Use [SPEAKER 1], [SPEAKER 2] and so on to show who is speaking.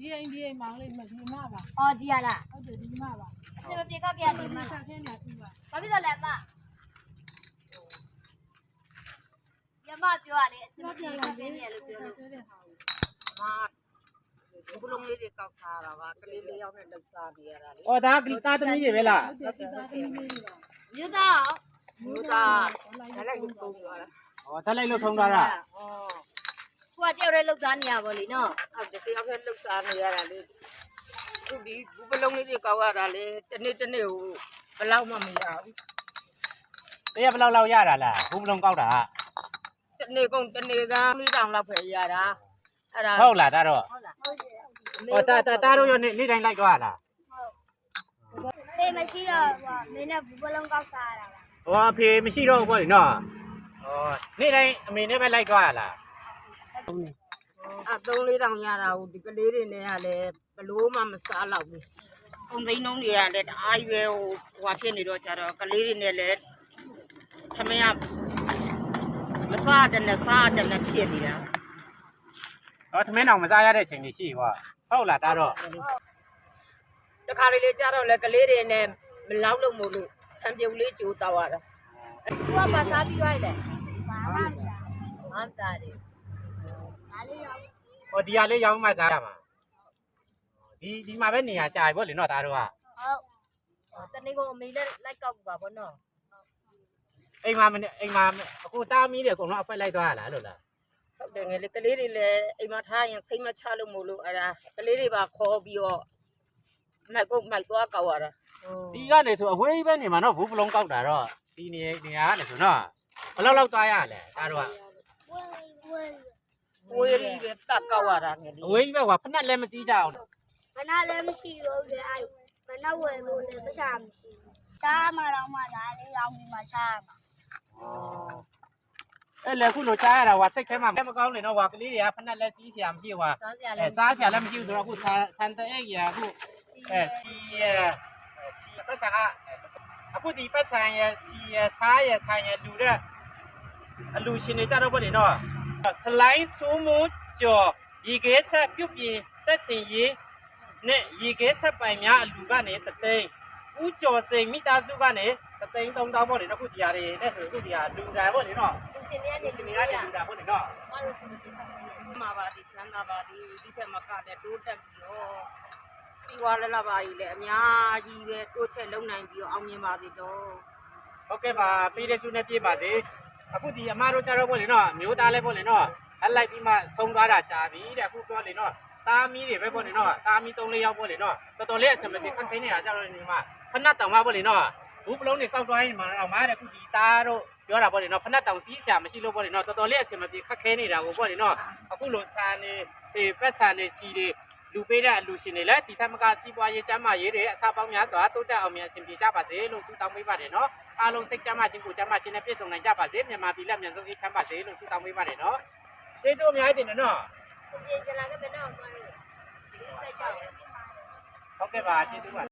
[SPEAKER 1] ဒီအိမ်မောင်လေးမဒီမပါ
[SPEAKER 2] အော်ဒီရလား
[SPEAKER 1] ဟုတ်တယ်ဒီမပါ
[SPEAKER 2] အစမပြေခောက်ကြရတယ်မ
[SPEAKER 1] ဆက်ခင်းနေပြီပါ
[SPEAKER 2] ဘာဖြစ်လို့လဲအမရမပြောရတယ်အစမပြေခောက်နေတယ်လို့ပြောလို့
[SPEAKER 1] တဲ့ဟာကို
[SPEAKER 3] ဘုလုံးလေးတွေကောက်စားတာပါကလေးလေးယောက်နဲ့လှုပ်စားနေရတာလေ
[SPEAKER 4] ။အော်ဒါကတာသမီးတွေပဲလား
[SPEAKER 1] ဟုတ်တယ်ဒီသားသမီးလေးပါ
[SPEAKER 2] မြို့သား
[SPEAKER 3] မျိုးသားဒါလည်းလူပုံသွားတာ
[SPEAKER 4] ။အော်တက်လိုက်လို့ထုံးသွားတာ
[SPEAKER 3] ဟော
[SPEAKER 2] ကိုကတယောက်တည်းလှုပ်သားနေရပါလိနော်
[SPEAKER 3] အဲ့တယောက်နဲ့လှုပ်စားနေရတာလေသူဒီဘုလုံးလေးတွေကောက်ရတာလေတနေ့ဟိုဘယ်လောက်မှမရဘူး
[SPEAKER 4] ။တရက်ဘယ်လောက်ရတာလား။ဘူးမလုံးကောက်တာ
[SPEAKER 3] တနေ့ကုန်တနေ့ကမိတောင်လောက်ပဲရတာအဲ့ဒါ
[SPEAKER 4] ။ဟုတ်လားဒါတော့
[SPEAKER 2] ဟုတ်လား
[SPEAKER 4] ။အော်တာတို့ရနေ့တိုင်းလိုက်သွားတာ
[SPEAKER 2] ဖေးမရှိတော့မင်းနဲ့ဘူးပလုံးကောက်စားရတာလား
[SPEAKER 4] ။ဟောအဖေမရှိတော့ဘူးပေါ့လေနော်။အော်နေ့တိုင်းအမေနဲ့ပဲလိုက်သွားရလား
[SPEAKER 3] အဲ့3-4တောင်ရတာဟိုဒီကလေးတွေနဲ့ကလည်းဘလို့မှမစားတော့ဘူးပုံသိန်းလုံးတွေကလည်းတအားရွယ်ဟိုဖြစ်နေတော့ကြတော့ကလေးတွေနဲ့လည်းထမရမစားတယ်နဲ့စားတယ်နဲ့ဖြစ်နေတာ
[SPEAKER 4] ။အော်သမင်းအောင်မစားရတဲ့အချိန်ကြီးရှိကွာ။ဟုတ်လားဒါတော့
[SPEAKER 3] တခါလေးကြာတော့လေကလေးတွေနဲ့မလောက်လို့မို့လို့ဆံပြုတ်လေးကြိုးတောက်ရတာ
[SPEAKER 2] သူကမစားပြီးလိုက်တယ်ဘာမှမစားဘာမှစားတယ်ဒါလေးရော
[SPEAKER 4] ။အော်ဒီဟာလေးရောင်းမှစားရမှာ။ဒီမှာပဲနေရာကြာပြီပေါ့လေနော်ဒါတို့က
[SPEAKER 2] ဟုတ်တနေ့ကအမေနဲ့လိုက်ကောက်ပါဘောနော်
[SPEAKER 4] ။အိမ်မှာအခုတားမီးတွေအကုန်လုံးအဖက်လိုက်သွားရလားလို့လား
[SPEAKER 3] ဟုတ်တယ်ငယ်လေးကလေးတွေလည်းအိမ်မှာထားရင်စိတ်မချလို့မို့လို့အဲ့ဒါကလေးတွေပါခေါ်ပြီးတော့မိုက်သွားကောက်ရတာ
[SPEAKER 4] ။ဒီကနေဆိုအဝေးပဲနေမှာနော်ဘူးပလုံးကောက်တာတော့ဒီနေရာကနေဆိုနော်ဘယ်လောက်သွားရလဲဒါတို့က
[SPEAKER 3] ဝေးရီပဲပတ်ကောက်ရတာငယ်လေး
[SPEAKER 4] အဝေးပဲကွာဖက်နဲ့လည်းမစည်းကြအောင်
[SPEAKER 5] ဘနာလည်းမရှိတော့လေအဲ့ဘနာဝယ်လို့လည်းမစားမရှိဘူးစားမှတော့မှဒါလေးရောင်းပြီးမှစားမှာ
[SPEAKER 4] အဲ့လေခုလိုချားရတာကွာစိတ်ထဲမှာမကောင်းနေတော့ကွာကလေးတွေကဖက်နဲ့လည်းစီးစရာမရှိကွာ
[SPEAKER 2] စားစရာ
[SPEAKER 4] အဲ
[SPEAKER 2] လည်း
[SPEAKER 4] စားစရာလည်းမရှိဘူးဆိုတော့အခုဆန်တဲ့ရအခုစီပတ်စံကအခုဒီပတ်စံရစီရစားရဆိုင်ရလူတဲ့အလူရှင်တွေကြတော့ဗောလေနော်စလိုင်းဆိုးမှုကြော်ရေခဲဆက်ပြုတ်ပြင်းတက်စင်ရေးနဲ့ရေခဲဆက်ပိုင်များအလူကနေတသိန်းဦးကျော်စိန်မိသားစုကနေတသိန်း3000ဗောလေအခုဒီဟာတွေနဲ့ဆိုအခုဒီဟာလူတိုင်းဗောလေနော်
[SPEAKER 2] သူရှင်တွေကနေ
[SPEAKER 4] ရှင်
[SPEAKER 2] နေ
[SPEAKER 4] တွေ
[SPEAKER 2] ရ
[SPEAKER 4] ကနေ
[SPEAKER 2] တာ
[SPEAKER 4] လူတိုင်းဗောလေနော်
[SPEAKER 2] မလို့ရှင်တွေကနေ
[SPEAKER 3] မှာပါဒီချမ်းသာပါဒီထက်မကတဲ့တိုးတက်ပြီးတော့စီဝါလလပါကြီးလည်းအများကြီးပဲတိုးချက်လုံနိုင်ပြီးတော့အောင်မြင်ပါသေးတော့
[SPEAKER 4] ဟုတ်ကဲ့ပါပေးတဲ့စုနဲ့ပြေးပါစေအခုဒီအမတို့ကြတော့ဗောလေနော်မျိုးသားလဲဗောလေနော်အလိုက်ပြီးမှဆုံးသွားတာကြာပြီတဲ့အခုပြောလေနော်တာမီးတွေပဲဗောလေနော်တာမီး3-4ယောက်ဗောလေနော်တော်တော်လေးအဆင်မပြေခက်ခဲနေတာကြတော့ဒီမှာဖနတ်တောင်မဗောလေနော်ဘူးပလုံးတွေကောက်သွားရင်မှတော့မားတဲ့အခုဒီသားတို့ပြောတာဗောလေနော်ဖနတ်တောင်စီးဆရာမရှိလို့ဗောလေနော်တော်တော်လေးအဆင်မပြေခက်ခဲနေတာကိုဗောလေနော်အခုလိုစာနေပတ်စာနေစီတွေလူပေးတဲ့အလူရှင်တွေလည်းဒီထက်မကစီးပွားရေးကျန်းမာရေးတွေအစားပေါင်းများစွာတိုးတက်အောင်မြန်အဆင်ပြေကြပါစေလို့ဆုတောင်းပေးပါတယ်နော်အားလုံးစိတ်ကျန်းမာခြင်းကိုကျန်းမာခြင်းနဲ့ပြည့်စုံနိုင်ကြပါစေမြန်မာပြည်လက်မြန်ဆုံးအေးချမ်းပါစေလို့ဆုတောင်းပေးပါတယ်နော်ကျေးဇူးအများကြီးတင်တယ်နော်
[SPEAKER 2] ရှင်ကြလာခဲ့တဲ့တော့မလို့ဒီစိတ်ကြောက်
[SPEAKER 4] ဟုတ်ကဲ့ပါကျေးဇူးပါ